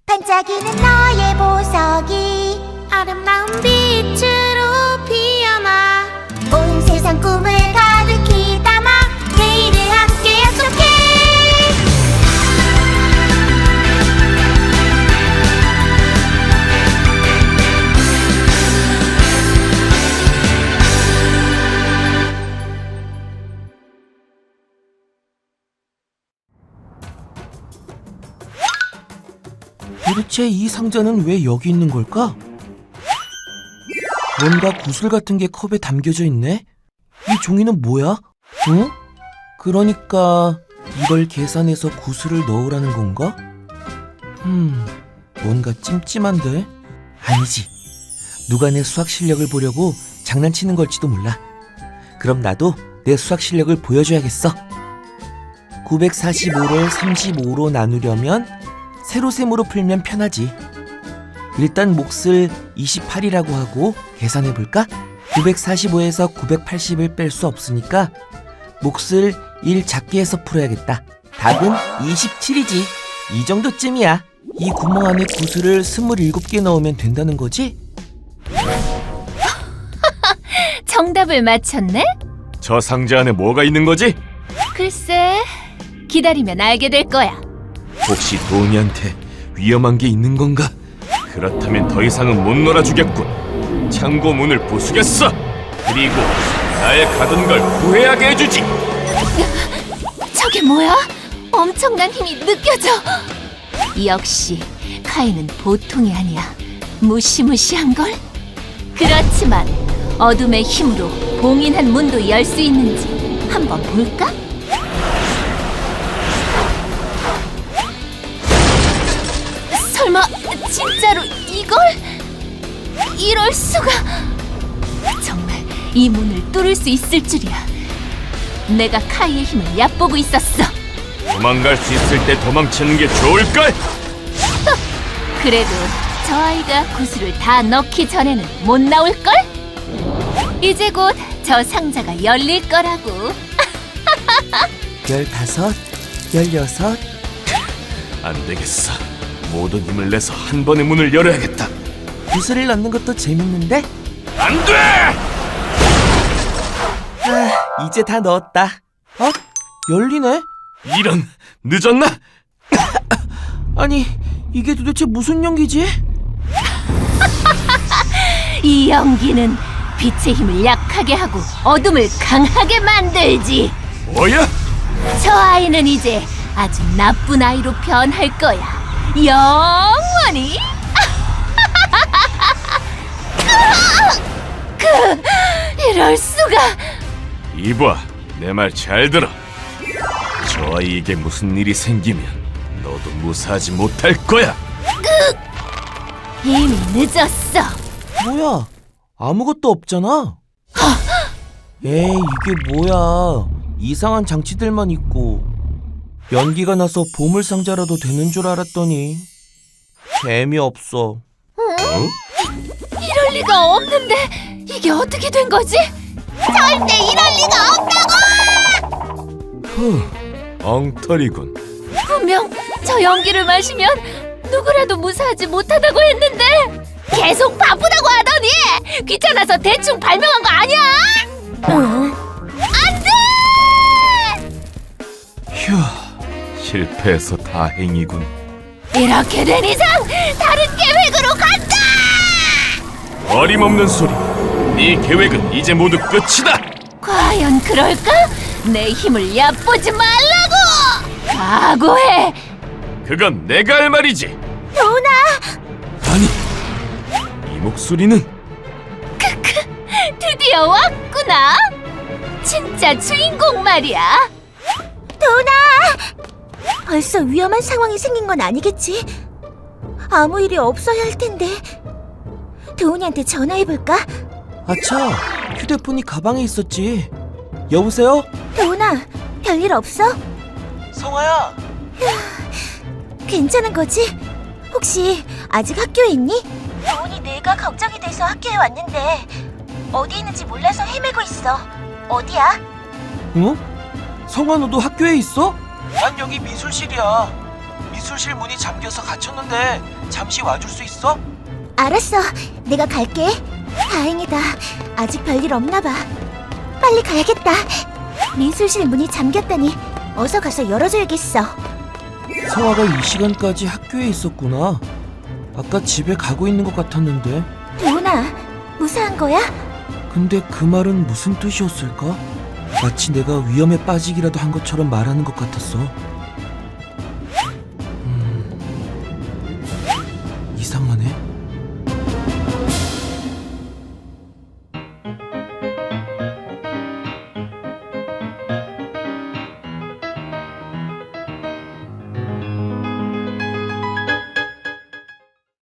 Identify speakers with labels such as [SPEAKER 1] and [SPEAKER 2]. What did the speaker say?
[SPEAKER 1] 반짝이는 너의 보석이 아름다운 빛으로 피어나 온 세상 꿈을 가득히 담아 내일을 함께 약속해.
[SPEAKER 2] 도대체 이 상자는 왜 여기 있는 걸까? 뭔가 구슬 같은 게 컵에 담겨져 있네? 이 종이는 뭐야? 응? 그러니까 이걸 계산해서 구슬을 넣으라는 건가? 뭔가 찜찜한데? 아니지. 누가 내 수학 실력을 보려고 장난치는 걸지도 몰라. 그럼 나도 내 수학 실력을 보여줘야겠어. 945를 35로 나누려면 세로셈으로 풀면 편하지. 일단 몫을 28이라고 하고 계산해볼까? 945에서 980을 뺄 수 없으니까 몫을 1 작게 해서 풀어야겠다. 답은 27이지. 이 정도쯤이야. 이 구멍 안에 구슬을 27개 넣으면 된다는 거지?
[SPEAKER 3] 정답을 맞췄네?
[SPEAKER 4] 저 상자 안에 뭐가 있는 거지?
[SPEAKER 3] 글쎄, 기다리면 알게 될 거야.
[SPEAKER 4] 혹시 도니한테 위험한 게 있는 건가? 그렇다면 더 이상은 못 놀아주겠군. 창고 문을 부수겠어. 그리고 나의 가던 걸 후회하게 해주지.
[SPEAKER 3] 저게 뭐야? 엄청난 힘이 느껴져. 역시 카이는 보통이 아니야. 무시무시한걸? 그렇지만 어둠의 힘으로 봉인한 문도 열 수 있는지 한번 볼까? 설마 진짜로 이걸? 이럴 수가. 정말 이 문을 뚫을 수 있을 줄이야. 내가 카이의 힘을 얕보고 있었어.
[SPEAKER 4] 도망갈 수 있을 때 도망치는 게 좋을걸?
[SPEAKER 3] 그래도 저 아이가 구슬을 다 넣기 전에는 못 나올걸? 이제 곧 저 상자가 열릴 거라고.
[SPEAKER 2] 15, 16.
[SPEAKER 4] 안 되겠어. 모든 힘을 내서 한 번에 문을 열어야겠다.
[SPEAKER 2] 구슬을 넣는 것도 재밌는데?
[SPEAKER 4] 안 돼!
[SPEAKER 2] 이제 다 넣었다. 열리네?
[SPEAKER 4] 이런, 늦었나?
[SPEAKER 2] 아니, 이게 도대체 무슨 연기지?
[SPEAKER 3] 이 연기는 빛의 힘을 약하게 하고 어둠을 강하게 만들지.
[SPEAKER 4] 뭐야?
[SPEAKER 3] 저 아이는 이제 아주 나쁜 아이로 변할 거야. 영원히. 이럴 수가.
[SPEAKER 4] 이봐, 내 말 잘 들어. 저 아이에게 무슨 일이 생기면 너도 무사하지 못할 거야.
[SPEAKER 3] 이미 늦었어.
[SPEAKER 2] 뭐야? 아무것도 없잖아. 에이, 이게 뭐야? 이상한 장치들만 있고. 연기가 나서 보물상자라도 되는 줄 알았더니 재미없어.
[SPEAKER 3] 이럴 리가 없는데 이게 어떻게 된 거지? 절대 이럴 리가 없다고!
[SPEAKER 4] 엉터리군.
[SPEAKER 3] 분명 저 연기를 마시면 누구라도 무사하지 못하다고 했는데 계속 바쁘다고 하더니 귀찮아서 대충 발명한 거 아니야? 안 돼!
[SPEAKER 4] 휴, 실패해서 다행이군.
[SPEAKER 3] 이렇게 된 이상 다른 계획으로 간다!
[SPEAKER 4] 어림없는 소리. 네 계획은 이제 모두 끝이다.
[SPEAKER 3] 과연 그럴까? 내 힘을 얕보지 말라고! 각오해!
[SPEAKER 4] 그건 내가 할 말이지.
[SPEAKER 1] 도나!
[SPEAKER 4] 아니, 이 목소리는
[SPEAKER 3] 드디어 왔구나! 진짜 주인공 말이야!
[SPEAKER 1] 도나! 벌써 위험한 상황이 생긴 건 아니겠지? 아무 일이 없어야 할 텐데. 도훈이한테 전화해볼까?
[SPEAKER 2] 아차, 휴대폰이 가방에 있었지. 여보세요?
[SPEAKER 1] 도훈아, 별일 없어?
[SPEAKER 2] 성아야.
[SPEAKER 1] 괜찮은 거지? 혹시 아직 학교에 있니? 도훈이 내가 걱정이 돼서 학교에 왔는데 어디 있는지 몰라서 헤매고 있어. 어디야?
[SPEAKER 2] 응? 성아, 너도 학교에 있어? 난 여기 미술실이야. 미술실 문이 잠겨서 갇혔는데 잠시 와줄 수 있어?
[SPEAKER 1] 알았어. 내가 갈게. 다행이다. 아직 별일 없나 봐. 빨리 가야겠다. 미술실 문이 잠겼다니 어서 가서 열어줘야겠어.
[SPEAKER 2] 서아가 이 시간까지 학교에 있었구나. 아까 집에 가고 있는 것 같았는데.
[SPEAKER 1] 도훈아, 무사한 거야?
[SPEAKER 2] 근데 그 말은 무슨 뜻이었을까? 마치 내가 위험에 빠지기라도 한 것처럼 말하는 것 같았어.